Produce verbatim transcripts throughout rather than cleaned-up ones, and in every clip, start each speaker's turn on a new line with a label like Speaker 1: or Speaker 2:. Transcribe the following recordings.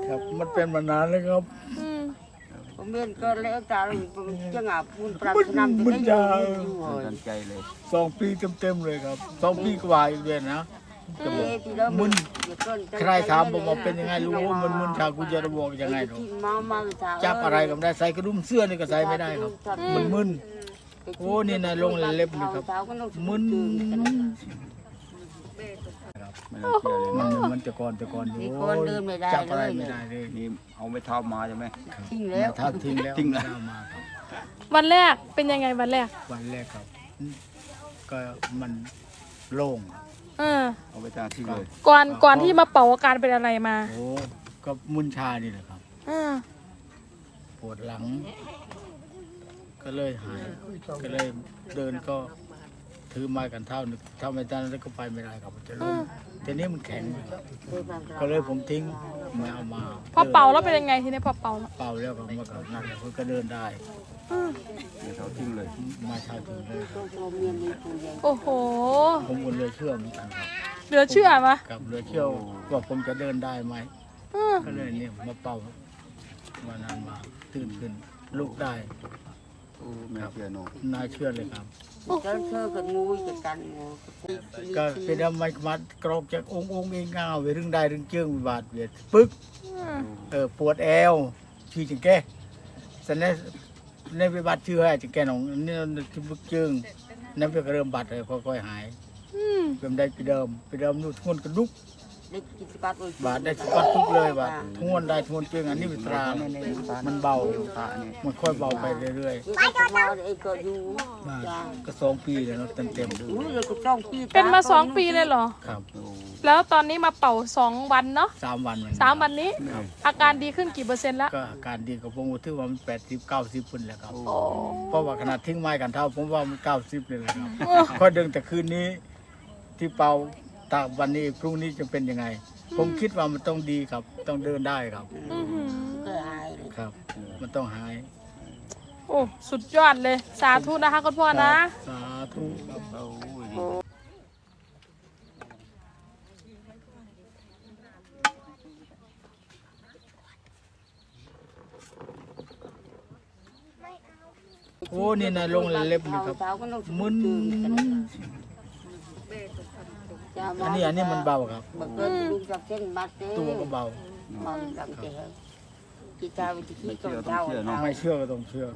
Speaker 1: ครับมันเป็นมานานแล้วครับ
Speaker 2: ผมเรียนก็แล้วแต่ผมจะงาพูนปรับนำจะได้อยู่กันใจเลย
Speaker 1: สองปีเต็มๆเลยครับสองปีกว่าอีกเดือนนะจะบอกมึนใครถามผมว่าเป็นยังไงรู้มันมึนชากูจะระบอกยังไงหรอจับอะไรก็ไม่ได้ใส่กระดุมเสื้อนี่ก็ใส่ไม่ได้ครับมันมึนโอ้นี่นะลงเล็บนี่ครับมึนมันมันจะก่อนจะก่อนอยู่จับอะไรไม่ได้เลย
Speaker 2: นี่เอาไม่เท้ามาใช่ไหม
Speaker 1: ทิ้งแล้วท้าทิ้งแล้วทิ้งแล้วมาครับ
Speaker 3: วันแรกเป็นยังไงวันแรก
Speaker 1: วันแรกครับก็มันโล่ง
Speaker 3: เออ
Speaker 2: เอาไปทาทิ้งเลย
Speaker 3: ก่อนก่อนที่มาเป่าอาการเป็นอะไรมา
Speaker 1: โอ้ก็มุนชานี่แหละครับปวดหลังก็เลยหายก็เลยเดินก็ถือไม้กันเท่านึงถ้าไม่ได้แล้วก็ไปไม่ได้ครับจะล้มทีนี้มันแข็งก็เลยผมทิ้งไม่เอามา
Speaker 3: พอเป่าแล้วเป็นยังไงทีนี้พอเป่า
Speaker 1: เป่าแล้วก็มากับนั่นเพื่อก็เดินได้
Speaker 2: เดี๋ยวเขาทิ้งเลย
Speaker 1: มาชาถึงเลย
Speaker 3: โอ้โห
Speaker 1: ผมก็เลยเชื่อเหมือนกันครับ
Speaker 3: เหลือเชื่อไหม
Speaker 1: กับเหลือเชื่อว่าผมจะเดินได้ไหมก็เลยเนี่ยมาเป่าวันนั้นมาตื่นขึ้นลุกได้
Speaker 2: ครับ
Speaker 1: นายเชื่อเลยครับ
Speaker 2: ก็เชื่อกันงูกันงู
Speaker 1: ก็เป็นอะไรมากรอกจากองค์องค์เองเงาไปเรื่องใดเรื่องเชื่องบาดเบียดปึ๊กเออปวดแอวชื่อจังแกสันนี้ในไปบาดชื่อให้จังแกหนองนี่ที่ปึ๊กเชื่องนั่นเป็นเริ่มบาดเลยค่อยๆหายเป็นได้ไปเดิมไปเดิมนู่นทวนกระดุกบาดได้สกัดทุกเลยบาดทวนได้ทวนเชื่องอันนี้เป็นตรามันเบามันค่อยเบาไปเรื่อยๆก็สองปีเลยเนาะเต็มๆด้วย
Speaker 3: เป็นมาสองปีเลยเหรอ
Speaker 1: ครับ
Speaker 3: แล้วตอนนี้มาเป่าสองวันเนาะ
Speaker 1: สามวัน
Speaker 3: สามวันนี้อาการดีขึ้นกี่เปอร์เซ็นต์แล้ว
Speaker 1: ก็อาการดีกับผมถือว่ามันแปดสิบเก้าสิบปุ่นแล้วครับเพราะว่าขนาดทิ้งไม้กันเท่าผมว่ามันเก้าสิบเลยครับพอดึงแต่คืนนี้ที่เป่าตากวันนี้พรุ่งนี้จะเป็นยังไงผมคิดว่ามันต้องดีครับต้องเดินได้ครับครับมันต้องหาย
Speaker 3: โอ้สุดยอดเลยสาธุนะคะคุณพ่อนะ
Speaker 1: สาธุโอ้นี่นะลงเล็บนี่ครับมึนอันนี้อันนี้มันเบาครับตัวก็เบาไม่เชื่อก็ต้องเชื่อ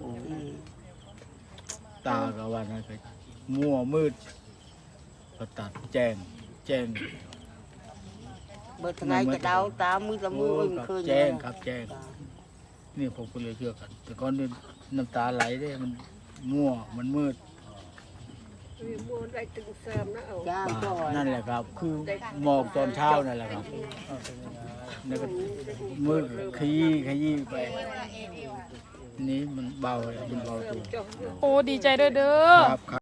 Speaker 1: ตาก็ว่านะก็มัวมืดก็ตัดแจ้งแจ้ง
Speaker 2: เบิดไงก็เดาตามือละมือเคย
Speaker 1: แจ้งครับแจ้งนี่ผมก็เลยเชื่อกันแต่ก่อนนี่น้ำตาไหลได้มันมั่วมันมืดนั่นแหละครับคือหมอกตอนเช้านั่นแหละครับแล้วก็มืดขยี้ขยี้ไปนี้มันเบาเลยมันเบาตัว
Speaker 3: โอ้ดีใจด้วยเด้อ